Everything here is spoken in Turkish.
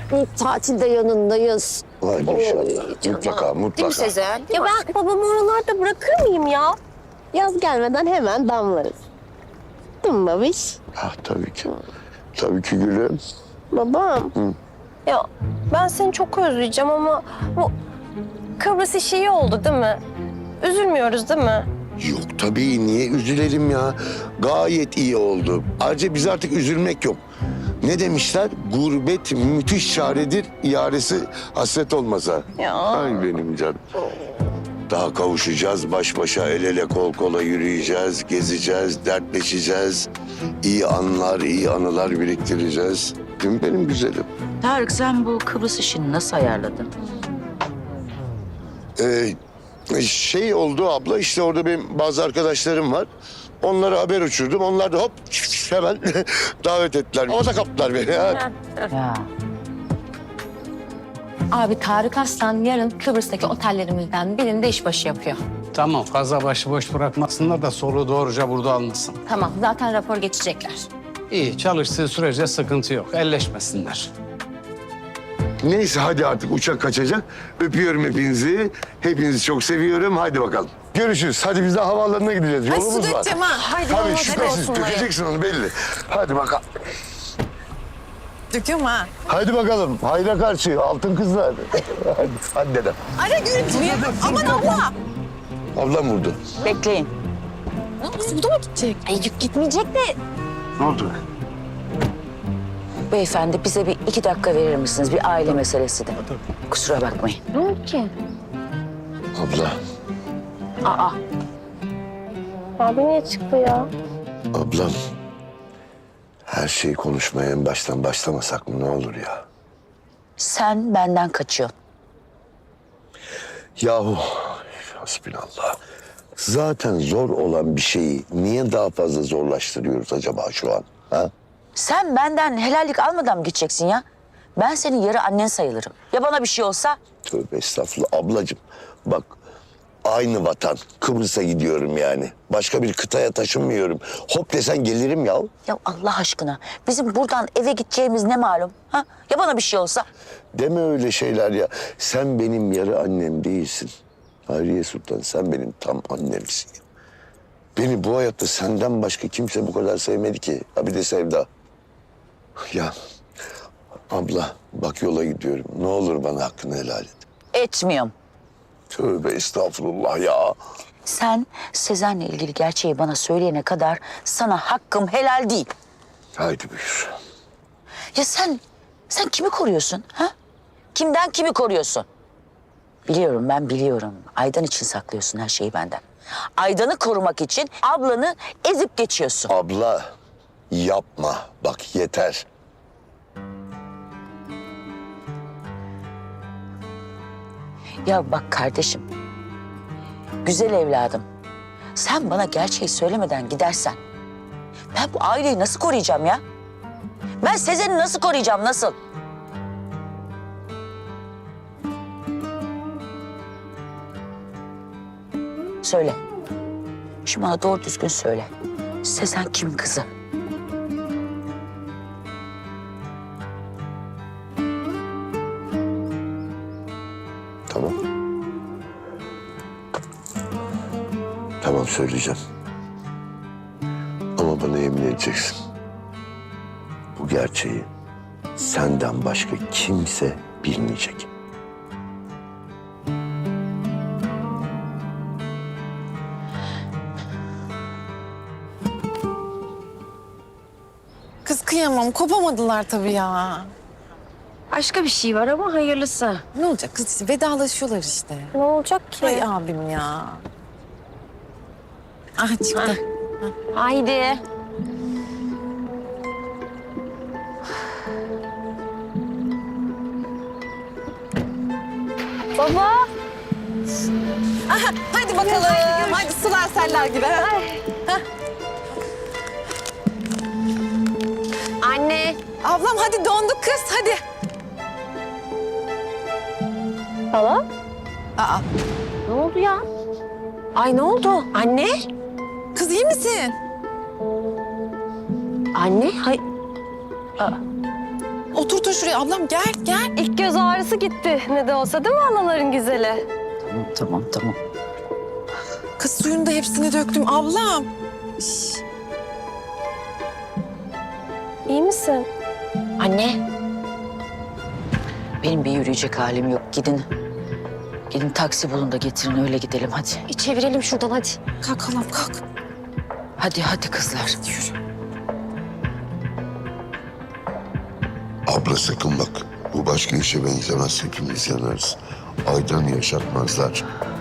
Tatilde yanındayız. Vay inşallah. canım. Mutlaka, mutlaka. Değil mi Sezen? Ya ben babamı oralarda bırakır mıyım ya? Yaz gelmeden hemen damlarız. Değil mi babiş? Ah, tabii ki. Tabii ki gülüm. Babam. Ya ben seni çok özleyeceğim ama bu Kıbrıs işi iyi oldu değil mi? Üzülmüyoruz değil mi? Yok tabii, niye üzülelim ya? Gayet iyi oldu. Ayrıca biz artık üzülmek yok. Ne demişler? Gurbet müthiş çaredir, yaresi hasret olmasa. Ya. Ay benim canım. Daha kavuşacağız, baş başa, el ele, kol kola yürüyeceğiz, gezeceğiz, dertleşeceğiz. İyi anlar, iyi anılar biriktireceğiz. Değil mi benim güzelim? Tarık, sen bu Kıbrıs işini nasıl ayarladın? Şey oldu abla, işte orada benim bazı arkadaşlarım var. Onlara haber uçurdum. Onlar da hop hemen davet ettiler. O da kaptılar beni. Ya. Abi Tarık Aslan yarın Kıbrıs'taki otellerimizden birinde işbaşı yapıyor. Tamam, fazla başıboş bırakmasınlar da soluğu doğruca burada almasın. Tamam, zaten rapor geçecekler. İyi, çalıştığı sürece sıkıntı yok. Elleşmesinler. Neyse hadi artık uçak kaçacak. Öpüyorum hepinizi. Hepinizi çok seviyorum. Hadi bakalım. Görüşürüz. Hadi biz de havaalanına gideceğiz. Yolumuz var. dökeceğim ha. Haydi Tabii olmaz, şüphesiz olsun dökeceksin onu belli. Hadi bakalım. Döküyorum ha. Hadi bakalım. Hayra karşı altın kızlar. hadi dedem. Ara görüntüyü. Aman abla. Ablam vurdu. Bekleyin. Kız bu da mı gidecek? Yük gitmeyecek de. Ne oldu? Beyefendi, bize bir 2 dakika verir misiniz? Bir aile meselesi de. Kusura bakmayın. Ne oldu ki? Abla. Abi niye çıktı ya? Ablam. Her şeyi konuşmaya en baştan başlamasak mı ne olur ya? Sen benden kaçıyorsun. Yahu hasbinallah. Zaten zor olan bir şeyi niye daha fazla zorlaştırıyoruz acaba şu an? Ha? Sen benden helallik almadan mı gideceksin ya? Ben senin yarı annen sayılırım. Ya bana bir şey olsa? Tövbe estağfurullah ablacığım. Bak aynı vatan. Kıbrıs'a gidiyorum yani. Başka bir kıtaya taşınmıyorum. Hop desen gelirim ya. Ya Allah aşkına, bizim buradan eve gideceğimiz ne malum? Ha? Ya bana bir şey olsa? Deme öyle şeyler ya. Sen benim yarı annem değilsin. Hayriye Sultan sen benim tam annemsin. Beni bu hayatta senden başka kimse bu kadar sevmedi ki. Ha bir de Sevda. Ya abla bak yola gidiyorum. Ne olur bana hakkını helal et. Etmiyorum. Tövbe estağfurullah ya. Sen Sezen'le ilgili gerçeği bana söyleyene kadar sana hakkım helal değil. Haydi buyur. Ya sen kimi koruyorsun? Ha? Kimden kimi koruyorsun? Biliyorum, ben biliyorum. Aydan için saklıyorsun her şeyi benden. Aydan'ı korumak için ablanı ezip geçiyorsun. Abla yapma. Bak yeter. Ya bak kardeşim, güzel evladım. Sen bana gerçeği söylemeden gidersen ben bu aileyi nasıl koruyacağım ya? Ben Sezen'i nasıl koruyacağım, nasıl? Söyle. Şu bana doğru düzgün söyle. Sezen kim kızı? Tamam. Tamam söyleyeceğim. Ama bana yemin edeceksin. Bu gerçeği senden başka kimse bilmeyecek. Kız kıyamam, kopamadılar tabii ya. Başka bir şey var ama hayırlısı. Ne olacak kız, vedalaşıyorlar işte. Ne olacak ki? Ay abim ya. Ah çıktı. Haydi. Baba. Aha, hadi bakalım. Hadi sular seller gibi. Ha? Anne. Ablam hadi donduk kız, hadi. Hala? Aa, Ne oldu ya? Ay ne oldu? Anne? kız iyi misin? Anne? Hay... Otur şuraya ablam gel gel. İlk göz ağrısı gitti. Ne de olsa değil mi anaların güzeli? Tamam. Kız suyunu da hepsini döktüm ablam. İyi misin? Anne. Benim bir yürüyecek halim yok. Gidin taksi bulun da getirin öyle gidelim hadi. Çevirelim şuradan hadi. Kalk halam kalk. Hadi kızlar. Abla sakın bak. Bu başka işe benzemez. Hepimiz yanarız. Aydan yaşatmazlar.